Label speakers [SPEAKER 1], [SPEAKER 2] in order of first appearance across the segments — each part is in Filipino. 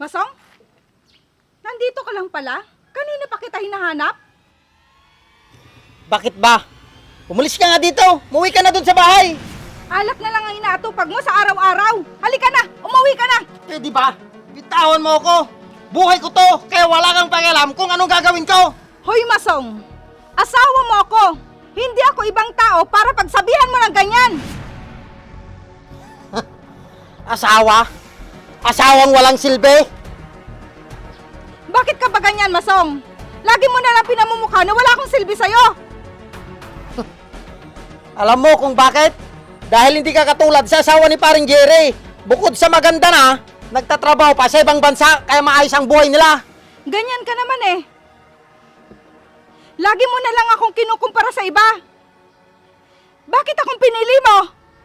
[SPEAKER 1] Masong? Nandito ka lang pala? Kanina pa kita hinahanap?
[SPEAKER 2] Bakit ba? Umalis ka nga dito! Umuwi ka na dun sa bahay!
[SPEAKER 1] Alak na lang ang inaatupag mo sa araw-araw. Halika na! Umuwi ka na!
[SPEAKER 2] Eh di ba? Bitawan mo ako! Buhay ko to! Kaya wala kang pakialam kung anong gagawin ko!
[SPEAKER 1] Hoy Masong! Asawa mo ako! Hindi ako ibang tao para pagsabihan mo ng ganyan!
[SPEAKER 2] Asawa? Asawang walang silbi?
[SPEAKER 1] Bakit ka ba ganyan, Masong? Lagi mo na lang pinamumukha na wala akong silbi sa'yo!
[SPEAKER 2] Alam mo kung bakit? Dahil hindi ka katulad sa asawa ni paring Jerry. Bukod sa maganda na, nagtatrabaho pa sa ibang bansa kaya maayos ang buhay nila.
[SPEAKER 1] Ganyan ka naman eh. Lagi mo na lang akong kinukumpara sa iba. Bakit akong pinili mo?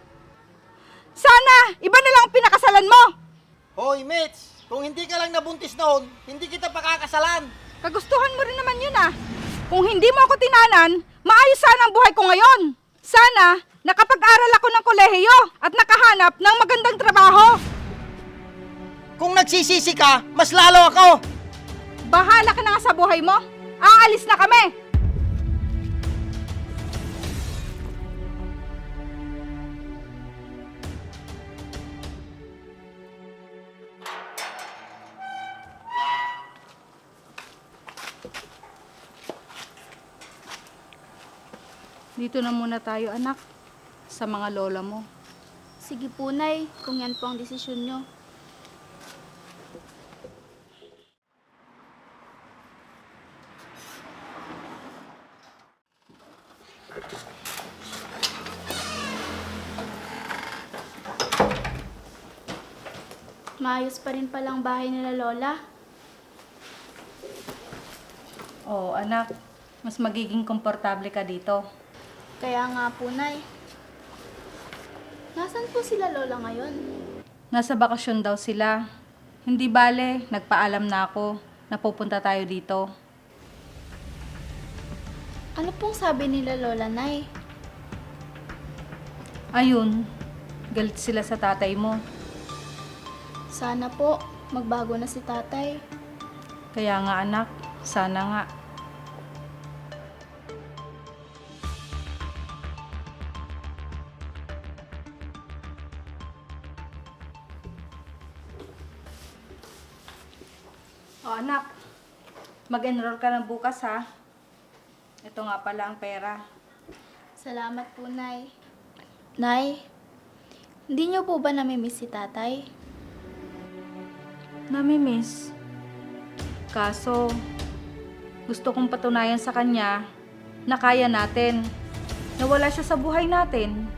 [SPEAKER 1] Sana, iba na lang ang pinakasalan mo.
[SPEAKER 2] Hoy, Mitch! Kung hindi ka lang nabuntis noon, hindi kita pakakasalan.
[SPEAKER 1] Kagustuhan mo rin naman yun ah. Kung hindi mo ako tinanan, maayos sana ang buhay ko ngayon. Sana, nakapag-aral ako ng kolehiyo at nakahanap ng magandang trabaho.
[SPEAKER 2] Kung nagsisisi ka, mas lalo ako.
[SPEAKER 1] Bahala ka na nga sa buhay mo. Aalis na kami. Dito na muna tayo, anak, sa mga lola mo.
[SPEAKER 3] Sige po, Nay, kung yan po ang desisyon nyo. Maayos pa rin palang bahay nila Lola.
[SPEAKER 1] Oo, anak, mas magiging komportable ka dito.
[SPEAKER 3] Kaya nga po, Nay. Nasaan po sila Lola ngayon?
[SPEAKER 1] Nasa bakasyon daw sila. Hindi bale, nagpaalam na ako na pupunta tayo dito.
[SPEAKER 3] Ano pong sabi nila Lola, Nay?
[SPEAKER 1] Ayun, galit sila sa tatay mo.
[SPEAKER 3] Sana po, magbago na si tatay.
[SPEAKER 1] Kaya nga anak, sana nga. O anak, mag-enroll ka ng bukas ha. Ito nga pala ang pera.
[SPEAKER 3] Salamat po, Nay. Nay, hindi niyo po ba namimiss si tatay?
[SPEAKER 1] Namimiss. Kaso, gusto kong patunayan sa kanya na kaya natin. Nawala siya sa buhay natin.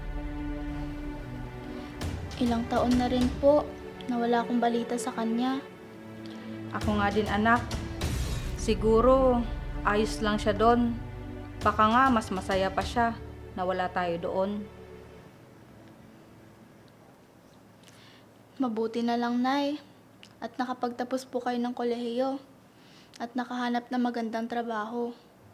[SPEAKER 3] Ilang taon na rin po na wala akong balita sa kanya.
[SPEAKER 1] Ako nga din anak. Siguro, ayos lang siya doon. Baka nga mas masaya pa siya na wala tayo doon.
[SPEAKER 3] Mabuti na lang, Nay. At nakapagtapos po kayo ng kolehiyo. At nakahanap na magandang trabaho.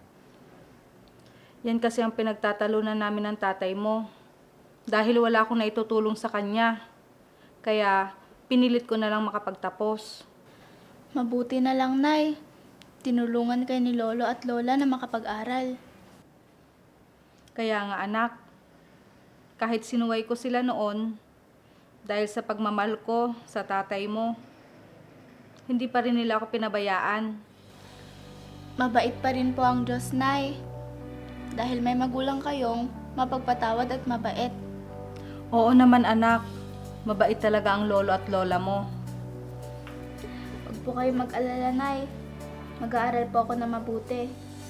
[SPEAKER 1] Yan kasi ang pinagtatalunan namin ng tatay mo. Dahil wala akong naitutulong sa kanya. Kaya pinilit ko na lang makapagtapos.
[SPEAKER 3] Mabuti na lang, Nay. Tinulungan kayo ni Lolo at Lola na makapag-aral.
[SPEAKER 1] Kaya nga anak, kahit sinuway ko sila noon, dahil sa pagmamahal ko sa tatay mo, hindi pa rin nila ako pinabayaan.
[SPEAKER 3] Mabait pa rin po ang Diyos, Nay. Dahil may magulang kayong mapagpatawad at mabait.
[SPEAKER 1] Oo naman anak, mabait talaga ang lolo at lola mo.
[SPEAKER 3] Huwag po kayo mag-alala, Nay. Mag-aaral po ako na mabuti.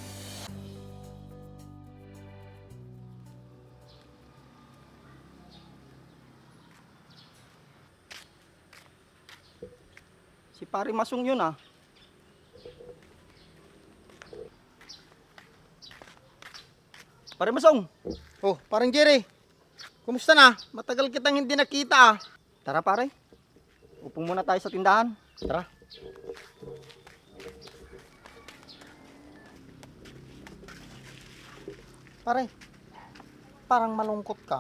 [SPEAKER 2] Si Pari Masong yun ah. Pare Masong! Oh, parang Jerry. Kumusta na? Matagal kitang hindi nakita ah. Tara pare. Upo muna tayo sa tindahan. Tara. Pare, parang malungkot ka.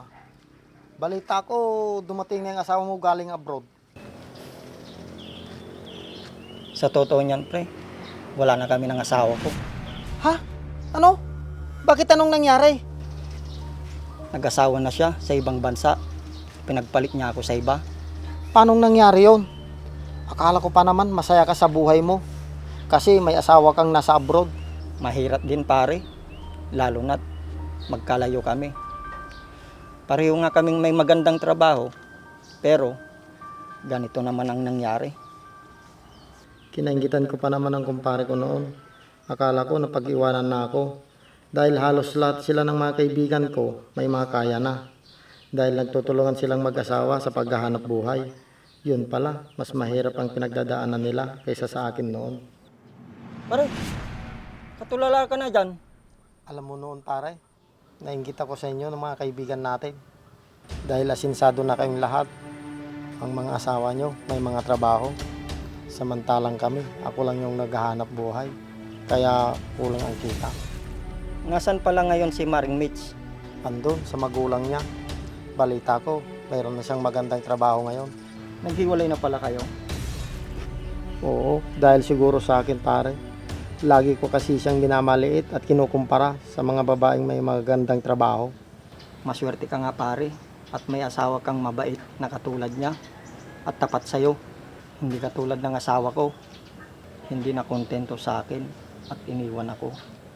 [SPEAKER 2] Balita ko, dumating na yung asawa mo galing abroad. Sa totoo niyan, pre, wala na kami ng asawa ko.
[SPEAKER 4] Ha? Ano? Bakit anong nangyari?
[SPEAKER 2] Nag-asawa na siya sa ibang bansa. Pinagpalit niya ako sa iba.
[SPEAKER 4] Paanong nangyari yon? Akala ko pa naman masaya ka sa buhay mo. Kasi may asawa kang nasa abroad.
[SPEAKER 2] Mahirap din, pare. Lalo na't magkalayo kami. Pareho nga kaming may magandang trabaho. Pero, ganito naman ang nangyari.
[SPEAKER 4] Kinaingitan ko pa naman ang kumpare ko noon. Akala ko napag-iwanan na ako. Dahil halos lahat sila ng mga kaibigan ko may mga kaya na. Dahil nagtutulungan silang mag-asawa sa paghahanap buhay. Yun pala, mas mahirap ang pinagdadaanan nila kaysa sa akin noon.
[SPEAKER 2] Pare, katulala ka na dyan.
[SPEAKER 4] Alam mo noon pare, nainggit ako sa inyo ng mga kaibigan natin. Dahil asinsado na kayong lahat. Ang mga asawa nyo may mga trabaho. Samantalang kami, ako lang yung naghahanap buhay. Kaya kulang ang kita.
[SPEAKER 2] Nasaan pala ngayon si Maring Mitch?
[SPEAKER 4] Andun sa magulang niya. Balita ko, mayroon na siyang magandang trabaho ngayon.
[SPEAKER 2] Naghiwalay na pala kayo?
[SPEAKER 4] Oo, dahil siguro sa akin pare. Lagi ko kasi siyang minamaliit at kinukumpara sa mga babaeng may magandang trabaho.
[SPEAKER 2] Maswerte ka nga, pare. At may asawa kang mabait na katulad niya. At tapat sa'yo. Hindi katulad ng asawa ko. Hindi na kontento sa akin at iniwan ako.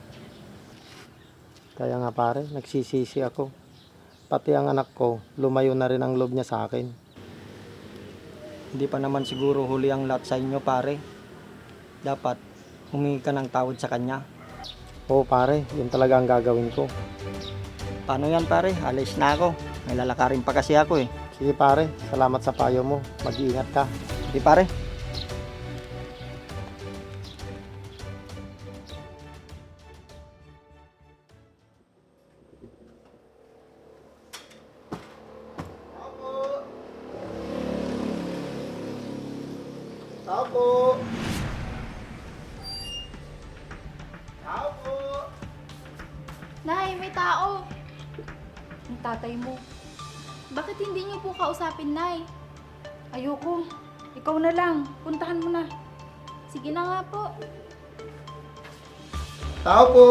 [SPEAKER 4] Kaya nga pare, nagsisisi ako. Pati ang anak ko, lumayo na rin ang loob niya sa akin.
[SPEAKER 2] Hindi pa naman siguro huli ang lahat sa inyo, pare. Dapat humingi ka ng tawad sa kanya.
[SPEAKER 4] Oo pare, yun talaga ang gagawin ko.
[SPEAKER 2] Paano yan, pare? Alis na ako. May lalakarin pa kasi ako eh.
[SPEAKER 4] Sige pare, salamat sa payo mo. Mag-iingat ka.
[SPEAKER 2] Di pare?
[SPEAKER 4] Tao po! Tao po!
[SPEAKER 3] Nay, may tao.
[SPEAKER 1] Ang tatay mo.
[SPEAKER 3] Bakit hindi niyo po kausapin, Nay?
[SPEAKER 1] Ayoko. Ikaw na lang. Puntahan mo na.
[SPEAKER 3] Sige na nga po.
[SPEAKER 4] Tao po!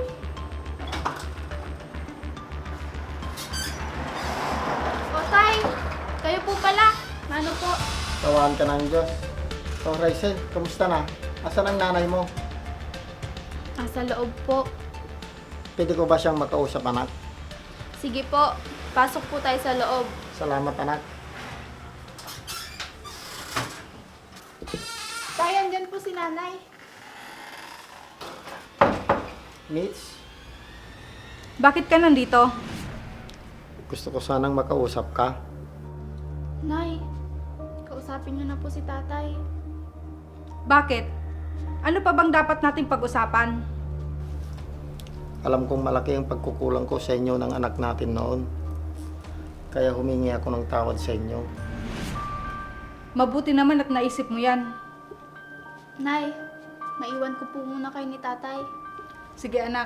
[SPEAKER 3] O, Tay, kayo po pala. Ano po?
[SPEAKER 4] Tawahan ka ng Diyos. So, Raizel, kamusta na? Asan ang nanay mo?
[SPEAKER 3] Sa loob po.
[SPEAKER 4] Pwede ko ba siyang makausap, anak?
[SPEAKER 3] Sige po, pasok po tayo sa loob.
[SPEAKER 4] Salamat, anak.
[SPEAKER 3] Tay, andyan po si Nanay.
[SPEAKER 4] Mitch,
[SPEAKER 1] Bakit ka nandito?
[SPEAKER 4] gusto ko sanang makausap ka.
[SPEAKER 3] Nay, kausapin niyo na po si Tatay.
[SPEAKER 1] Bakit? Ano pa bang dapat nating pag-usapan?
[SPEAKER 4] Alam kong malaki ang pagkukulang ko sa inyo ng anak natin noon. Kaya humingi ako ng tawad sa inyo.
[SPEAKER 1] Mabuti naman at naisip mo yan.
[SPEAKER 3] Nay, maiwan ko po muna kayo ni Tatay.
[SPEAKER 1] Sige anak.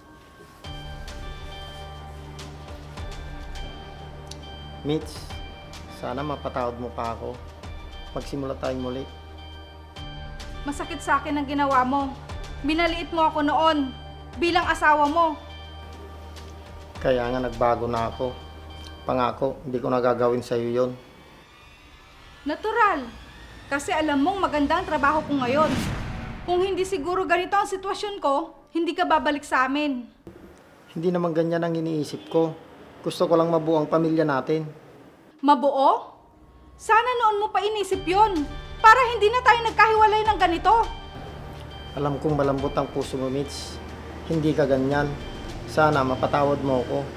[SPEAKER 4] Mitch, sana mapatawad mo pa ako. Magsimula tayong muli.
[SPEAKER 1] Masakit sa akin ang ginawa mo. Binaliit mo ako noon bilang asawa mo.
[SPEAKER 4] Kaya nga nagbago na ako. Pangako, hindi ko nagagawin sa iyo yon.
[SPEAKER 1] Natural. Kasi alam mong maganda ang trabaho ko ngayon. Kung hindi siguro ganito ang sitwasyon ko, hindi ka babalik sa amin.
[SPEAKER 4] Hindi naman ganyan ang iniisip ko. Gusto ko lang mabuo ang pamilya natin.
[SPEAKER 1] Mabuo? Sana noon mo pa inisip yon para hindi na tayo nagkahiwalay ng ganito.
[SPEAKER 4] Alam kong malambot ang puso mo, Mitch. Hindi ka ganyan. Sana mapatawad mo ako.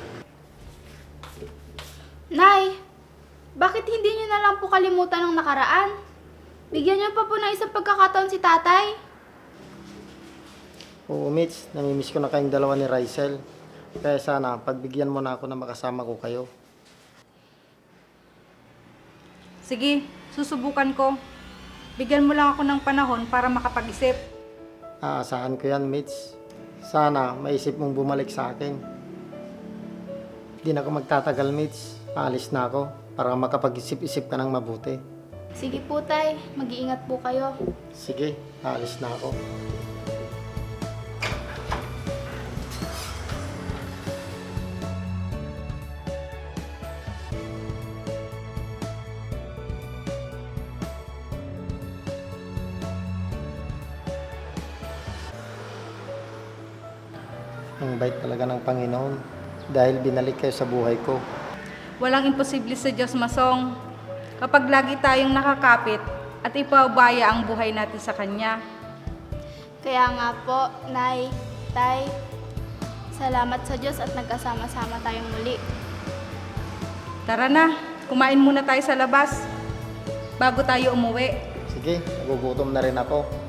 [SPEAKER 3] Nay, bakit hindi niyo na lang po kalimutan ng nakaraan? Bigyan niyo pa po ng isang pagkakataon si Tatay.
[SPEAKER 4] Oo, Mitch. Namimiss ko na kayong dalawa ni Raizel. Kaya sana, pagbigyan mo na ako na makasama ko kayo.
[SPEAKER 1] Sige, susubukan ko. Bigyan mo lang ako ng panahon para makapag-isip.
[SPEAKER 4] Aasahan ko yan, Mitch. Sana maisip mong bumalik sa akin. Hindi na ako magtatagal, Mitch. Aalis na ako para makapag-isip-isip ka ng mabuti.
[SPEAKER 3] Sige po, Tay. Mag-iingat po kayo.
[SPEAKER 4] Sige, aalis na ako. Ang bait talaga ng Panginoon dahil binalik kayo sa buhay ko.
[SPEAKER 1] Walang imposible sa Diyos, Masong. Kapag lagi tayong nakakapit at ipabaya ang buhay natin sa Kanya.
[SPEAKER 3] Kaya nga po, Nay, Tay, salamat sa Diyos at nagkasama-sama tayong muli.
[SPEAKER 1] Tara na, kumain muna tayo sa labas bago tayo umuwi.
[SPEAKER 4] Sige, nagugutom na rin ako.